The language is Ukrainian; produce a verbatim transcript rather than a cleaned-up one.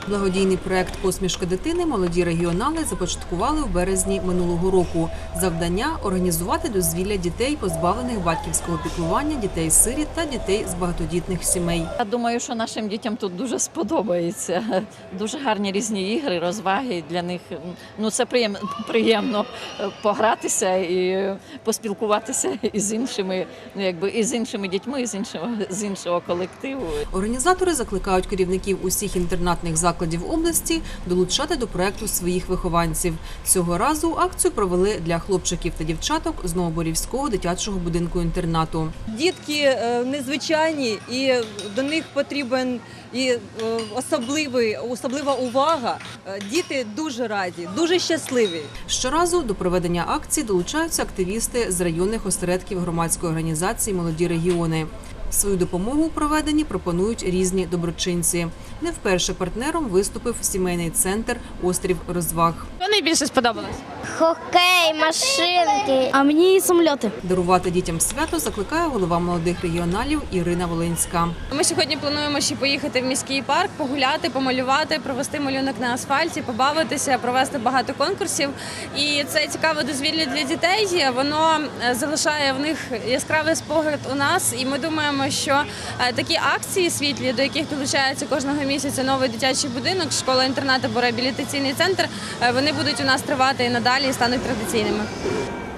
Благодійний проект «Посмішка дитини» молоді регіонали започаткували у березні минулого року. Завдання – організувати дозвілля дітей, позбавлених батьківського піклування, дітей-сиріт та дітей з багатодітних сімей. Я думаю, що нашим дітям тут дуже сподобається. Дуже гарні різні ігри, розваги для них. Ну, це приємно, приємно погратися і поспілкуватися із іншими, якби, із іншими дітьми, з іншого, з іншого колективу. Організатори закликають керівників усіх інтернатних закладів області долучати до проекту своїх вихованців. Цього разу акцію провели для хлопчиків та дівчаток з Новоборівського дитячого будинку-інтернату. Дітки незвичайні і до них потрібен і особливий, особлива увага. Діти дуже раді, дуже щасливі. Щоразу до проведення акції долучаються активісти з районних осередків громадської організації «Молоді регіони». Свою допомогу у проведенні пропонують різні доброчинці. Не вперше партнером виступив сімейний центр «Острів розваг». Що найбільше сподобалось? Хокей, машинки. А мені самольоти. Дарувати дітям свято закликає голова молодих регіоналів Ірина Волинська. Ми сьогодні плануємо ще поїхати в міський парк, погуляти, помалювати, провести малюнок на асфальті, побавитися, провести багато конкурсів. І це цікаве дозвілля для дітей, воно залишає в них яскравий спогад у нас. І ми думаємо, що такі акції світлі, до яких долучається кожного місяця новий дитячий будинок, школа-інтернат або реабілітаційний центр, вони будуть у нас тривати і надалі і стануть традиційними.